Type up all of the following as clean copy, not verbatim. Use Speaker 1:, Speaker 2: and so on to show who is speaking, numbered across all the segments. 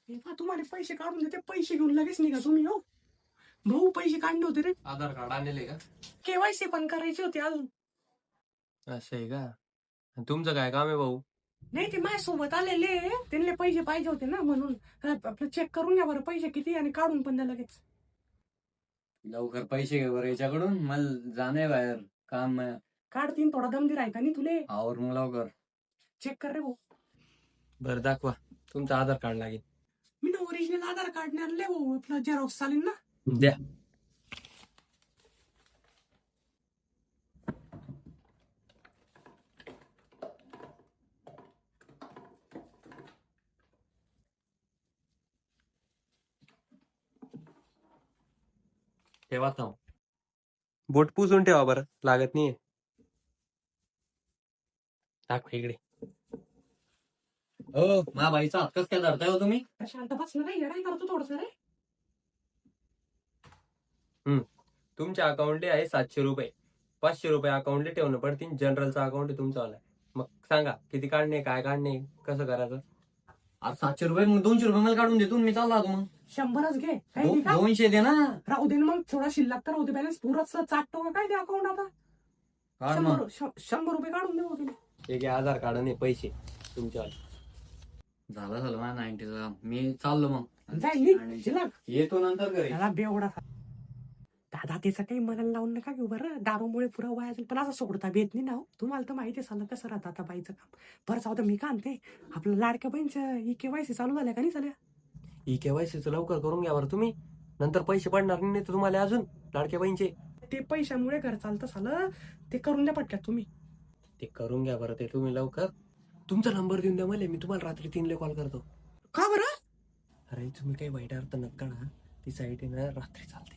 Speaker 1: तुम्हाला पैसे काढून देते, पैसे घेऊन लगेच निघा तुम्ही. हो भाऊ, पैसे काढले होते रे.
Speaker 2: आधार कार्ड आणले का?
Speaker 1: केवायसी पण करायची होती अजून.
Speaker 2: असं आहे का? तुमचं काय काम आहे भाऊ?
Speaker 1: नाही, ते माझ्यासोबत आलेले, त्यांना पैसे पाहिजे होते ना, म्हणून आपलं चेक करून घ्या बरं पैसे किती आणि काढून पण द्या लगेच.
Speaker 2: लवकर पैसे घे बरं याच्याकडून, मला जाणे बाहेर काम आहे.
Speaker 1: काढतीन, थोडा दमदीर आहे का नाही तुले?
Speaker 2: आवर मग लवकर.
Speaker 1: चेक कर रे भाऊ.
Speaker 2: बरं दाखवा, तुमचं आधार कार्ड लागेल.
Speaker 1: मी ना ओरिजिनल आधार कार्ड नाही आणले भाऊ, आपलं झेरॉक्स चालेल ना?
Speaker 2: द्या. ठेवा थांब. बोट पुसून ठेवा बरं, लागत नाहीये. दाखवा इकडे. हो, मा बाईचा हात कस काय धरताय हो तुम्ही?
Speaker 1: शांत बस ना रे, येडाई करतो थोडस रे.
Speaker 2: तुमच्या अकाउंटले आहे 700 रुपये. 500 रुपये अकाउंटले ठेवणं पडतील. जनरलचा अकाउंट आहे तुमचं आलाय. मग सांगा किती काढणे, काय काढणे, कसं करायचं? आज 700 रुपये, मग 200 रुपये मला काढून देतो, मी चालला मग.
Speaker 1: 100च घे, काही नाही का?
Speaker 2: 200 दे ना.
Speaker 1: राहू दे ना मग, थोडा शिल्लक तर राहू दे, बॅलन्स पुराच चाटतो का काय ते अकाउंट आता?
Speaker 2: काढ मग.
Speaker 1: 100 रुपये काढून देऊ तिने.
Speaker 2: एक आधार कार्ड आणि पैसे तुमच्या. झालं माझ्या 90चा. मी चाललो मग.
Speaker 1: जाईल शिल्लक
Speaker 2: येतो नंतर घरी.
Speaker 1: त्याला बेवडा. दादा त्याचं काही मनाला लावून नका घेऊ बरं, दारूमुळे पुरा वाया जाईल, पण असं सोडता भेट नाही ना हो. तुम्हाला तर माहिती आहे सांगा कसं राहतं आता बाईचं काम. बरं जाऊ दे, मी का आणते आपलं लाडक्या बहिणीचं केवायसी चालू झाल्या का नाही झाल्या?
Speaker 2: केवायसीचं लवकर करून घ्या बरं तुम्ही, नंतर पैसे पडणार नाही तर तुम्हाला अजून लाडक्या बहिणीचे.
Speaker 1: ते पैशामुळे घर चालतं झालं, ते करून द्या पटक्यात तुम्ही.
Speaker 2: ते करून घ्या बरं ते तुम्ही लवकर. तुमचा नंबर देऊन द्या मला, मी तुम्हाला रात्री 3 कॉल करतो.
Speaker 1: का बरं?
Speaker 2: अरे तुम्ही काही वाईट अर्थ नका ना, ती साईट आहे ना रात्री चालते.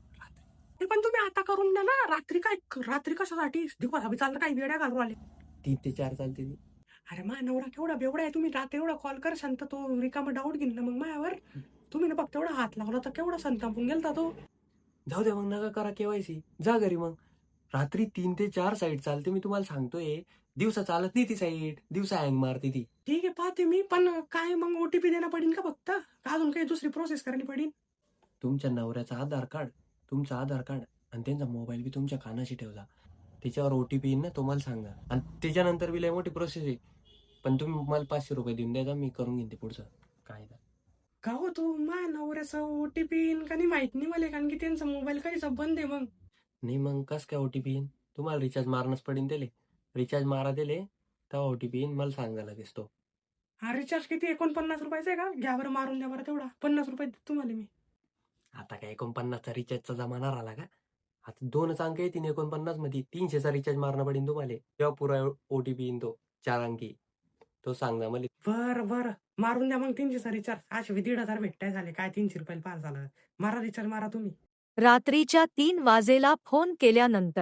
Speaker 1: ते पण तुम्ही आता करून द्या ना. रात्री काय, रात्री कशासाठी दिवस हवी चालतं, काही वेड्या घालून आले.
Speaker 2: 3 ते 4 चालते ती.
Speaker 1: अरे मा नवरा केवढा बेवडा आहे, तुम्ही रात्री एवढा कॉल कर शांत, तो रिकामा डाऊट घेईन ना मग मायावर. तुम्ही ना फक्त एवढा हात लावला तर केवढा संतापून गेलता तो.
Speaker 2: जाऊ द्या मग, नका करा केवायसी, जा घरी मग. रात्री 3 ते 4 साईट चालते, मी तुम्हाला सांगतोय. दिवसा चालत नाही ती साईट, दिवसा हँग मारते ती.
Speaker 1: ठीक आहे पाहते मी, पण काय मग ओटीपी देणं पडेल का फक्त, का अजून काही दुसरी प्रोसेस करायला पडेल?
Speaker 2: तुमच्या नवऱ्याचा आधार कार्ड, तुमचं आधार कार्ड आणि त्यांचा मोबाईल बी तुमच्या कानाशी ठेवजा. त्याच्यावर ओटीपी येईल ना, तुम्हाला सांगा. आणि त्याच्यानंतर बी लय मोठी प्रोसेस आहे, पण तुम्ही मला 500 रुपये देऊन द्या, मी करून घेईन ते पुढचं काय.
Speaker 1: का हो, तू मा नवऱ्याचा ओटीपी येईन का नाही माहित नाही मला, कारण की त्यांचा मोबाईल कधीचा बंद आहे. मग
Speaker 2: नाही मग कस काय ओटीपी येईन? तुम्हाला रिचार्ज मारणंच पडेल दिले. रिचार्ज मारा दिले तेव्हा ओटीपी येईन, मला सांगा लगेच तो.
Speaker 1: हा रिचार्ज किती, 49 रुपयाचा आहे का? घ्या बरं मारून द्या बरं तेवढा, 50 रुपये देतो तुम्हाला मी.
Speaker 2: आता काय 49चा रिचार्जचा जमाना राहिला का? आता 2 अंक येतील 49 मध्ये, 300चा रिचार्ज मारणं पडेल तुम्हाला. तेव्हा पुरा ओटीपी येईन तो 4 अंकी, तो सांगा मला.
Speaker 1: बरं मारून द्या मग 300चा रिचार्ज. असे 1,500 भेटताय झाले काय, 300 रुपयाला पास झालं. मारा रिचार्ज, मारा तुम्ही.
Speaker 3: रात्रीच्या 3 वाजेला फोन केल्यानंतर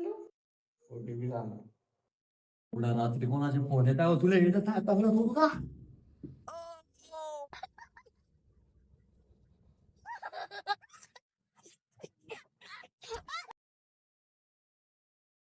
Speaker 2: ओटीपी सांगा. पुढे रात्री कोणाचे फोन येत आहे तुला, येत आता